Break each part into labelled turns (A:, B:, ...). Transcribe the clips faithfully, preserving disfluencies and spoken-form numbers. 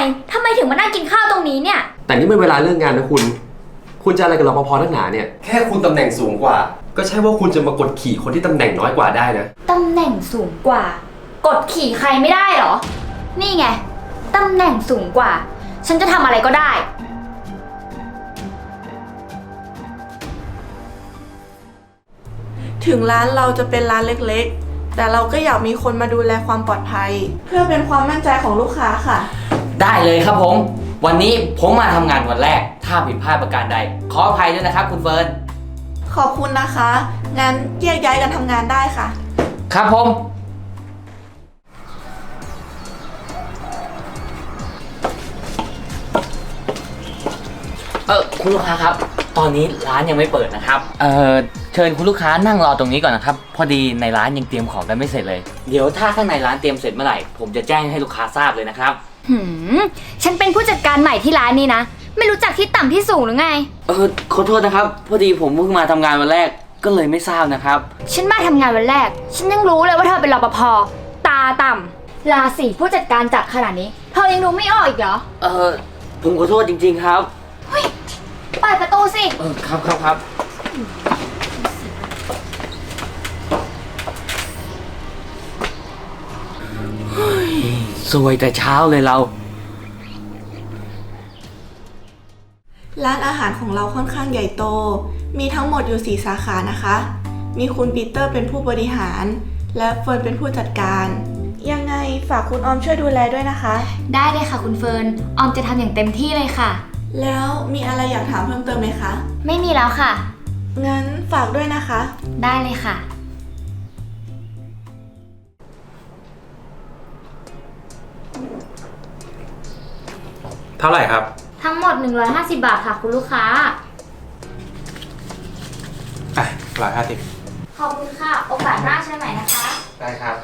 A: ทำไมถึงมานั่งกินข้าวตรงนี้เนี่ย
B: แต่นี่เป็นเวลาเลิกงานนะคุณคุณจะอะไรกับรปภนักหนาเนี่ยแค่คุณตำแหน่งสูงกว่าก็ใช่ว่าคุณจะมากดขี่คนที่ตำแหน่งน้อยกว่าได้นะ
A: ตำแหน่งสูงกว่า กดขี่ใครไม่ได้หรอนี่ไงตำแหน่งสูงกว่าฉันจะทำอะไรก็ได้
C: ถึงร้านเราจะเป็นร้านเล็กๆแต่เราก็อยากมีคนมาดูแลความปลอดภัยเพื่อเป็นความมั่นใจของลูกค้าค่ะ
D: ได้เลยครับผมวันนี้ผมมาทำงานวันแรกถ้าผิดพลาดประการใดขออภัยด้วยนะครับคุณเฟิร์น
C: ขอบคุณนะคะงั้นแยกย้ายกันทำงานได้ค่ะ
D: ครับผมเออคุณลูกค้าครับตอนนี้ร้านยังไม่เปิดนะครับเออเชิญคุณลูกค้านั่งรอตรงนี้ก่อนนะครับพอดีในร้านยังเตรียมของกันไม่เสร็จเลยเดี๋ยวถ้าข้างในร้านเตรียมเสร็จเมื่อไหร่ผมจะแจ้งให้ลูกค้าทราบเลยนะครับ
A: หืมฉันเป็นผู้จัดการใหม่ที่ร้านนี้นะไม่รู้จักที่ต่ำที่สูงหรือไง
D: เออขอโทษนะครับพอดีผมเพิ่งมาทำงานวันแรกก็เลยไม่ทราบนะครับ
A: ฉันมาทำงานวันแรกฉันยังรู้เลยว่าเธอเป็นรปภตาต่ำราศีผู้จัดการจัดขนาดนี้เธอยังดูไม่ออกอีกเหรอ
D: เออผมขอโทษจริงๆครับ
A: เฮ้ยเปิดประตูสิ
D: เออครับครับครับสวยแต่เช้าเลยเรา
C: ร้านอาหารของเราค่อนข้างใหญ่โตมีทั้งหมดอยู่สี่สาขานะคะมีคุณปีเตอร์เป็นผู้บริหารและเฟิร์นเป็นผู้จัดการยังไงฝากคุณออมช่วยดูแลด้วยนะคะ
A: ได้เลยค่ะคุณเฟิร์นออมจะทำอย่างเต็มที่เลยค่ะ
C: แล้วมีอะไรอยากถามเพิ่มเติมไหมคะ
A: ไม่มีแล้วค่ะ
C: งั้นฝากด้วยนะคะ
A: ได้เลยค่ะ
B: เท่าไหร่ครับ
A: ทั้งหมดหนึ่งร้อยห้าสิบบาทค่ะคุณลูกค้า
B: อ่ะร้อยห้าสิบ
A: ขอบคุณค่ะโอกาสหน้าใช่ไหมนะคะ
B: ได้ครับ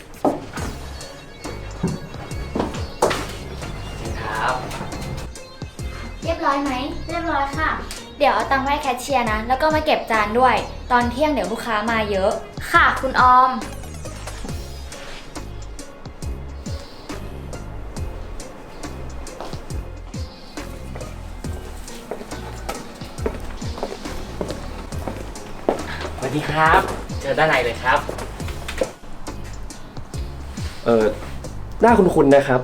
D: ครับ
A: เรียบร้อยไหมเรียบร้อยค่ะเดี๋ยวเอาตังค์ไว้แคชเชียร์นะแล้วก็มาเก็บจานด้วยตอนเที่ยงเดี๋ยวลูกค้ามาเยอะค่ะคุณออม
D: สวัสดีครับเจอด้านในเลยครับ
B: เออหน้าคุณๆนะครับ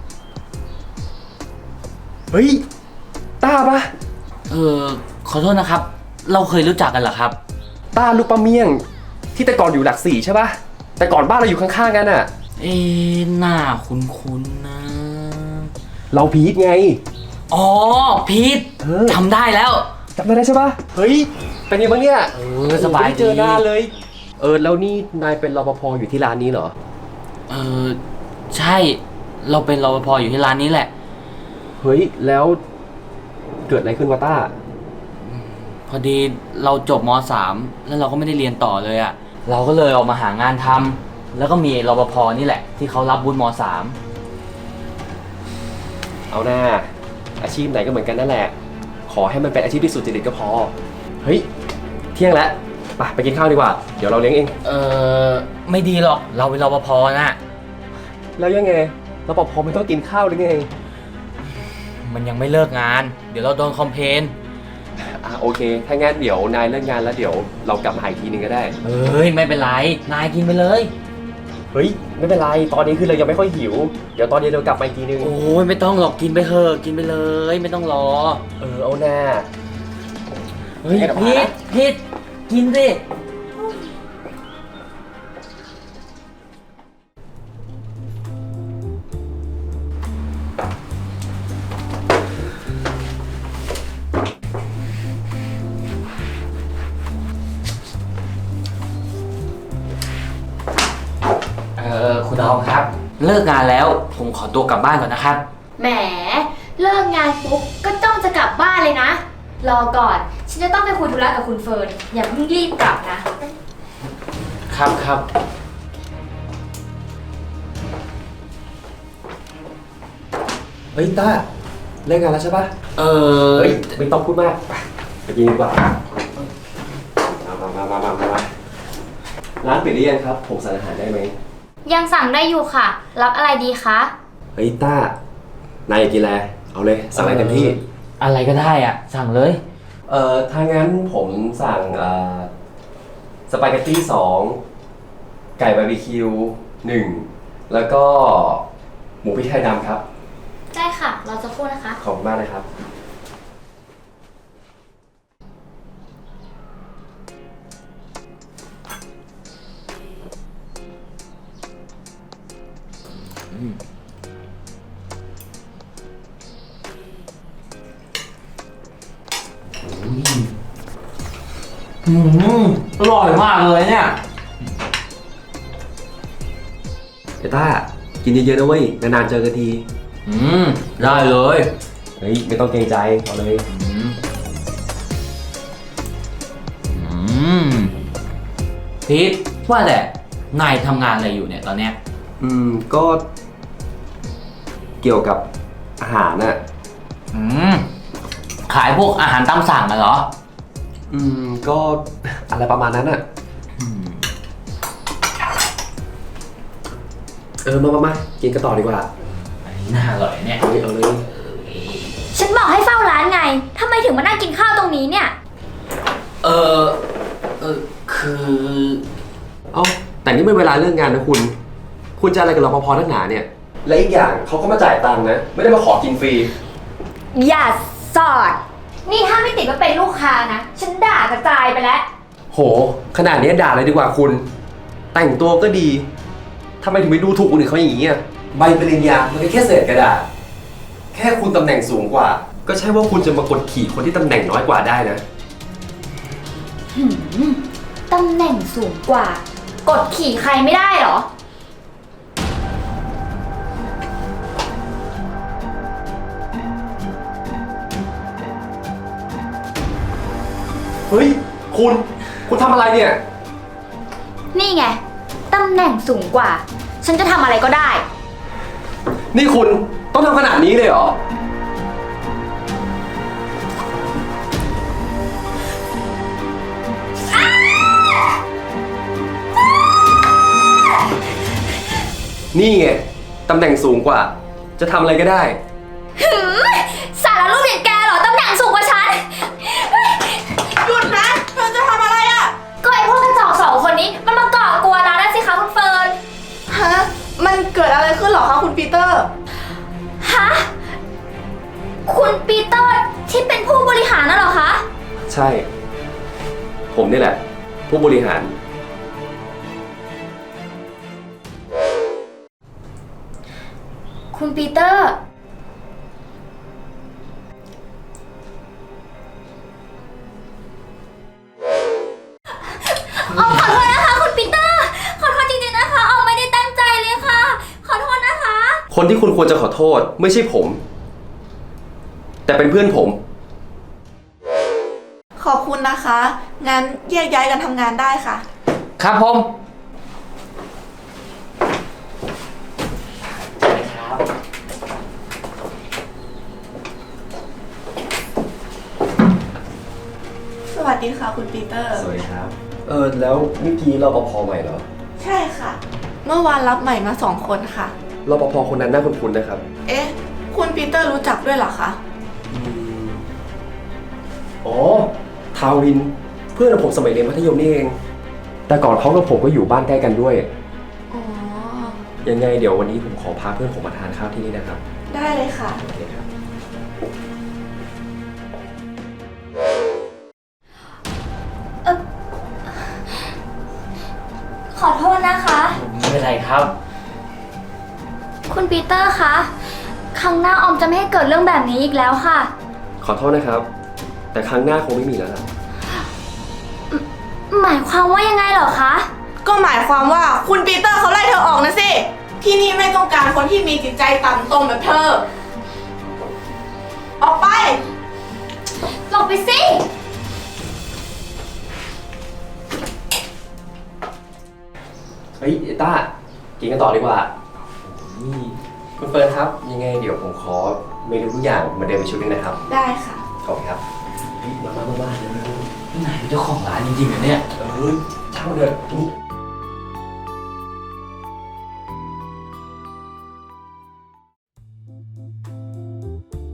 B: เฮ้ยต้าปะ
D: เออขอโทษนะครับเราเคยรู้จักกันเหรอครับ
B: ต้าลูกปลาเมี่ยงที่แต่ก่อนอยู่หลักสี่ใช่ปะแต่ก่อนบ้านเราอยู่ข้างๆกันอะ
D: เอ๊ะหน้าคุ้นๆนะ
B: เราพีทไง
D: อ๋อพีทจำได้แล้ว
B: จำได้ใช่ปะเฮ้ยเป็นยังไงบ้างเนี่ย
D: เออสบายดี
B: เจอหน้าเลยเออแล้วนี่นายเป็นรปภอยู่ที่ร้านนี้เหรอ
D: เออใช่เราเป็นรปภอยู่ที่ร้านนี้แหละ
B: เฮ้ยแล้วเกิดอะไรขึ้นวะต้า
D: พอดีเราจบม.สาม แล้วเราก็ไม่ได้เรียนต่อเลยอะเราก็เลยออกมาหางานทำแล้วก็มีรปภนี่แหละที่เขารับวุฒิม.สาม
B: เอาหน้าอาชีพไหนก็เหมือนกันนั่นแหละขอให้มันเป็นอาชีพที่สุจริตก็พอเฮ้ยเที่ยงแล้วไปไปกินข้าวดีกว่าเดี๋ยวเราเลี้ยงเอง
D: เออไม่ดีหรอกเราเป็นรปภนะ
B: แล้วยังไงรปภไม่ต้องกินข้าวหรือไง
D: มันยังไม่เลิกงานเดี๋ยวเราโดนคอมเพลน
B: อ่ะโอเคถ้างั้นเดี๋ยวนายเลิกงานแล้วเดี๋ยวเรากลับมาอีกทีนึงก็ได้
D: เฮ้ยไม่เป็นไรนายกินไปเลย
B: เฮ้ยไม่เป็นไรตอนนี้คือเรายังไม่ค่อยหิวเดี๋ยวตอนนี้เรากลับมาอีกทีนึง
D: โอ้ยไม่ต้องหรอกกินไปเถอะกินไปเลยไม่ต้องรอ
B: เออเอาหน้า
D: เฮ้ยพีทพีทกินสิคุณออมครับเลิกงานแล้วผมขอตัวกลับบ้านก่อนนะครับ
A: แหมเลิกงานปุ๊บก็จ้องจะกลับบ้านเลยนะรอก่อนฉันจะต้องไปคุยธุระกับคุณเฟิร์นอย่าเพิ่งรีบกลับนะครับ
D: ครับ
B: เฮ้ยต้าเลิกงานแล้วใช่ปะ
D: เออ
B: เฮ้ยไม่ต้องพูดมากไปกินดีกว่ามามามามามามาร้านปิดหรือยังครับผมสั่งอาหารได้ไหม
A: ยังสั่งได้อยู่ค่ะรับอะไรดีคะ
B: เฮ้ยต้านายอยากกินอะไรเอาเลยสั่งอะไรเต็มที่
D: อะไรก็ได้อ่ะ สั่งเลย
B: เอ่อถ้างั้นผมสั่งเอ่อสปาเกตตี้สองไก่บาร์บีคิวหนึ่งแล้วก็หมูพริกไทยดำครับ
A: ได้ค่ะ เราจะพูดนะคะ
B: ขอบคุณมากเลยครับ
D: อืมอร่อยมากเลยเนี่ย
B: เอต้ากินเยอะๆนะเว้ยนานๆเจอกันที
D: อืม ได้เลย
B: เฮ้ยไม่ต้องเกรงใจเอาเลย
D: อืม อืมพีทว่าแต่นายทำงานอะไรอยู่เนี่ยตอนเนี้ย
B: อืมก็เกี่ยวกับอาหารน่ะ
D: อืม ขายพวกอาหารตามสั่งนะเหรอ
B: อืมก็อะไรประมาณนั้นน่ะ
D: อืม
B: เออมามามากินกันต่อดีกว่า
D: อันนี้น่าอร่อยเนี่ย
B: เอาเลยเอาเลย
A: ฉันบอกให้เฝ้าร้านไงทำไมถึงมานั่งกินข้าวตรงนี้เนี่ย
D: เออ เออ คือ
B: เอ้าแต่นี่ไม่เวลาเรื่องงานนะคุณ คุณจะอะไรกับรปภนักหนาเนี่ย และอีกอย่างเขาก็มาจ่ายตังค์นะ ไม่ได้มาขอกินฟรี
A: อย่าสอด นี่ถ้าไม่ติดว่าเป็นลูกค้านะ ฉันด่ากระจายไปแล้ว
B: โห ขนาดนี้ด่าเลยดีกว่าคุณ แต่งตัวก็ดีทำไมถึงไปดูถูกคนอื่นเขาอย่างนี้อ่ะใบปริญญามันก็แค่เศษกระดาษ แค่คุณตำแหน่งสูงกว่า ก็ใช่ว่าคุณจะมากดขี่คนที่ตำแหน่งน้อยกว่าได้นะ
A: หืมตำแหน่งสูงกว่า กดขี่ใครไม่ได้เหรอ
B: เฮ้ย คุณ คุณทำอะไรเนี่ย
A: นี่ไง ตำแหน่งสูงกว่า ฉันจะทำอะไรก็ได้
B: นี่คุณต้องทำขนาดนี้เลยเหรอ นี่ไง ตำแหน่งสูงกว่า จะทำอะไรก็ได้
A: หืมสารรูปอย่างแกเหรอ ตำแหน่งสูงกว่าฉัน
C: หยุดนะ เธอจะทำอะไรอะ
A: ก็ไอพวกกระจอกสองคนนี้มันมาก่อกวนร้านนั่นสิคะคุณเฟิร์น
C: ฮะ มันเกิดอะไรขึ้นเหรอคะคุณปีเตอร์
A: ฮะ คุณปีเตอร์ที่เป็นผู้บริหารน่ะเหรอคะ
B: ใช่ ผมนี่แหละ ผู้บริหาร
A: คุณปีเตอร์ เอาขอโทษนะคะคุณปีเตอร์ ขอโทษจริงๆนะคะ เอาไม่ได้ตั้งใจเลยค่ะ ขอโทษนะคะ
B: คนที่คุณควรจะขอโทษไม่ใช่ผม แต่เป็นเพื่อนผม
C: ขอบคุณนะคะ งั้นแยกย้ายกันทำงานได้ค่ะ
D: ครับผม
C: สวัสดีค่ะคุณปีเตอร์
B: สวัสดีครับ เออแล้วเมื่อกี้รปภใหม่เหรอ
C: ใช่ค่ะ เมื่อวานรับใหม่มาสองคนค่ะ
B: รปภคนนั้นน่าคุ้นๆนะครับ
C: เอ๊ะ คุณปีเตอร์รู้จักด้วยเหรอคะ
B: อ๋อ ทาวิน เพื่อนของผมสมัยเรียนมัธยมนี่เอง แต่ก่อนเขากับผมก็อยู่บ้านใกล้กันด้วย
C: อ๋อ
B: ยังไงเดี๋ยววันนี้ผมขอพาเพื่อนผมมาทานข้าวที่นี่นะครับ
C: ได้เลยค่ะ
B: โอเคครับ
A: เออขอโทษนะคะ
D: ไม่เป็นไรครับ
A: คุณปีเตอร์คะ ครั้งหน้าออมจะไม่ให้เกิดเรื่องแบบนี้อีกแล้วค่ะ
B: ขอโทษนะครับ แต่ครั้งหน้าคงไม่มีแล้วล่ะ
A: หมายความว่ายังไงเหรอคะ
C: ก็หมายความว่าคุณปีเตอร์เขาไล่เธอออกนะสิ ที่นี่ไม่ต้องการคนที่มีจิตใจต่ำตมแบบเธอ ออกไป
A: หลบไปสิ
B: เฮ้ยเอต้า กินกันต่อดีกว่า นี่คุณเฟิร์นครับ ยังไงเดี๋ยวผมขอเมนูทุกอย่างเหมาเดิมเป็นชุดนึงนะครับ
C: ได้ค่ะ
B: ขอบคุณครับเฮ้ยมามามามาเร็ว
D: นี่นายเป็นเจ้าของร้านจริงๆเหรอเนี่ย
B: ๆเออช่างมันเถอะนี่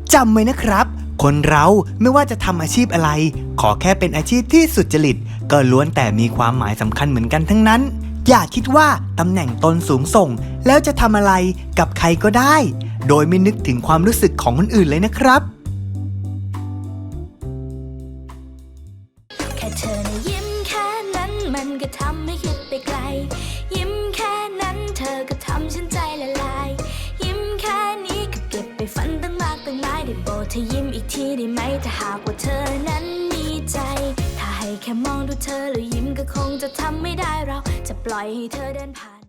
E: จำไว้นะครับ คนเราไม่ว่าจะทำอาชีพอะไร ขอแค่เป็นอาชีพที่สุจริตก็ล้วนแต่มีความหมายสำคัญเหมือนกันทั้งนั้น อย่าคิดว่าตำแหน่งตนสูงส่งแล้วจะทำอะไรกับใครก็ได้ โดยไม่นึกถึงความรู้สึกของคนอื่นเลยนะครับ
F: แค่เธอนะยิ้มแค่นั้นมันก็ทำให้คิดไปไกล ยิ้มแค่นั้นเธอก็ทำฉันใจละลาย ยิ้มแค่นี้ก็เก็บไปฝันตั้งมากตั้งหลายได้โปรดเธอยิ้มอีกทีได้ไหมถ้าหากว่าเธอนั้นมีใจ ถ้าให้แค่มองดูเธอแล้วยิ้มก็คงจะทำไม่ได้เราจะปล่อยให้เธอเดินผ่าน